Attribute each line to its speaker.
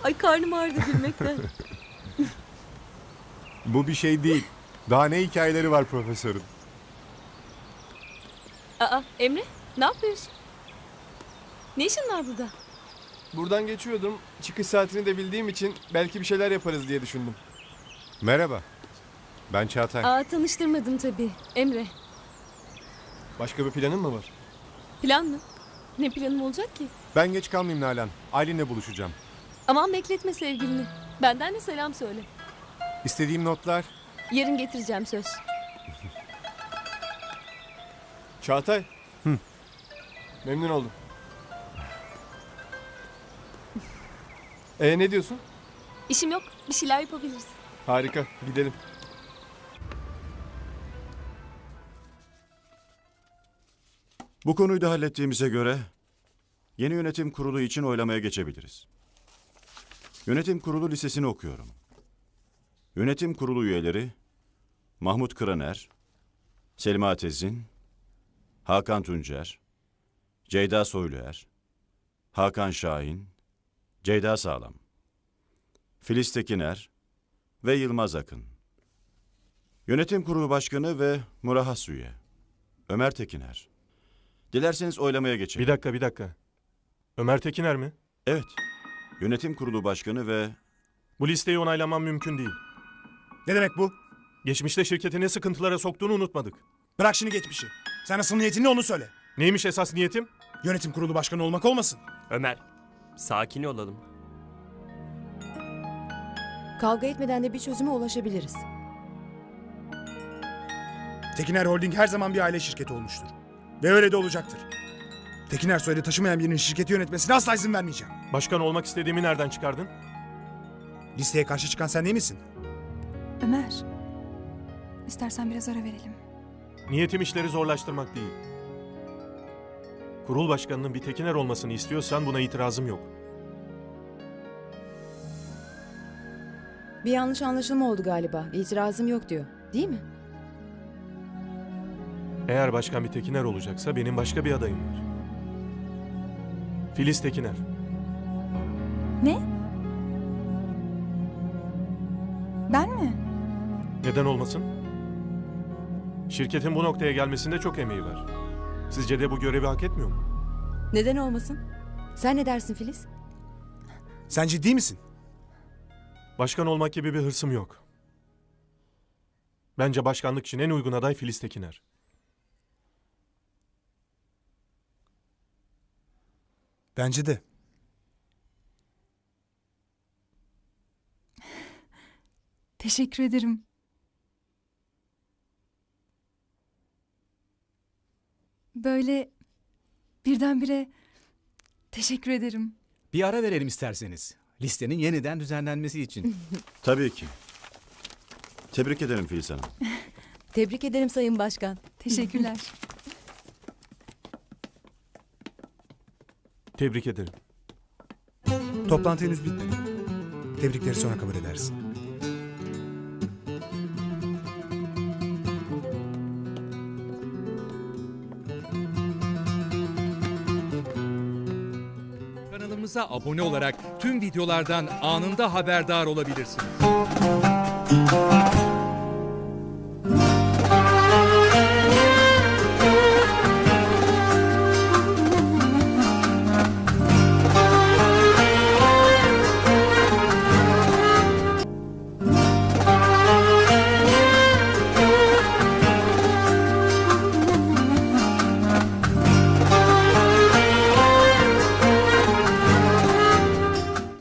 Speaker 1: Ay karnım ağrıdı gülmekten.
Speaker 2: Bu bir şey değil. Daha ne hikayeleri var profesörün?
Speaker 1: Aa Emre ne yapıyorsun? Ne işin var burada?
Speaker 3: Buradan geçiyordum. Çıkış saatini de bildiğim için belki bir şeyler yaparız diye düşündüm.
Speaker 2: Merhaba. Ben Çağatay.
Speaker 1: Aa tanıştırmadım tabii. Emre.
Speaker 3: Başka bir planın mı var?
Speaker 1: Plan mı? Ne planım olacak ki?
Speaker 2: Ben geç kalmayayım Nalan. Aylin'le buluşacağım.
Speaker 1: Aman bekletme sevgilini. Benden de selam söyle.
Speaker 2: İstediğim notlar.
Speaker 1: Yarın getireceğim söz.
Speaker 3: Çağatay. Memnun oldum. Ne diyorsun?
Speaker 1: İşim yok. Bir şeyler yapabiliriz.
Speaker 3: Harika. Gidelim.
Speaker 4: Bu konuyu da hallettiğimize göre yeni yönetim kurulu için oylamaya geçebiliriz. Yönetim kurulu listesini okuyorum. Yönetim kurulu üyeleri Mahmut Kıraner, Selma Tezin, Hakan Tuncer, Ceyda Soyluer, Hakan Şahin, Ceyda Sağlam, Filiz Tekiner ve Yılmaz Akın. Yönetim kurulu başkanı ve murahhas üye Ömer Tekiner. Dilerseniz oylamaya geçelim.
Speaker 5: Bir dakika. Ömer Tekiner mi?
Speaker 4: Evet. Yönetim kurulu başkanı ve...
Speaker 5: Bu listeyi onaylamam mümkün değil.
Speaker 6: Ne demek bu?
Speaker 5: Geçmişte şirketi ne sıkıntılara soktuğunu unutmadık.
Speaker 6: Bırak şimdi geçmişi. Sen asıl niyetin ne onu söyle.
Speaker 5: Neymiş esas niyetim?
Speaker 6: Yönetim kurulu başkanı olmak olmasın.
Speaker 7: Ömer, sakin olalım.
Speaker 8: Kavga etmeden de bir çözüme ulaşabiliriz.
Speaker 6: Tekiner Holding her zaman bir aile şirketi olmuştur. Ve öyle de olacaktır. Tekiner soyadı taşımayan birinin şirketi yönetmesine asla izin vermeyeceğim.
Speaker 5: Başkan olmak istediğimi nereden çıkardın?
Speaker 6: Listeye karşı çıkan sen değil misin?
Speaker 9: Ömer, istersen biraz ara verelim.
Speaker 5: Niyetim işleri zorlaştırmak değil. Kurul başkanının bir Tekiner olmasını istiyorsan buna itirazım yok.
Speaker 8: Bir yanlış anlaşılma oldu galiba. İtirazım yok diyor. Değil mi?
Speaker 5: Eğer başkan bir Tekiner olacaksa benim başka bir adayım var. Filiz Tekiner.
Speaker 9: Ne? Ben mi?
Speaker 5: Neden olmasın? Şirketin bu noktaya gelmesinde çok emeği var. Sizce de bu görevi hak etmiyor mu?
Speaker 8: Neden olmasın? Sen ne dersin Filiz?
Speaker 6: Sen ciddi misin?
Speaker 5: Başkan olmak gibi bir hırsım yok. Bence başkanlık için en uygun aday Filiz Tekiner.
Speaker 6: Bence de.
Speaker 9: Teşekkür ederim. Böyle birdenbire teşekkür ederim.
Speaker 10: Bir ara verelim isterseniz. Listenin yeniden düzenlenmesi için.
Speaker 4: Tabii ki. Tebrik ederim Filiz Hanım.
Speaker 8: Tebrik ederim Sayın Başkan.
Speaker 9: Teşekkürler.
Speaker 5: Tebrik ederim.
Speaker 6: Toplantı henüz bitmedi. Tebrikleri sonra kabul edersin.
Speaker 10: Kanalımıza abone olarak tüm videolardan anında haberdar olabilirsiniz.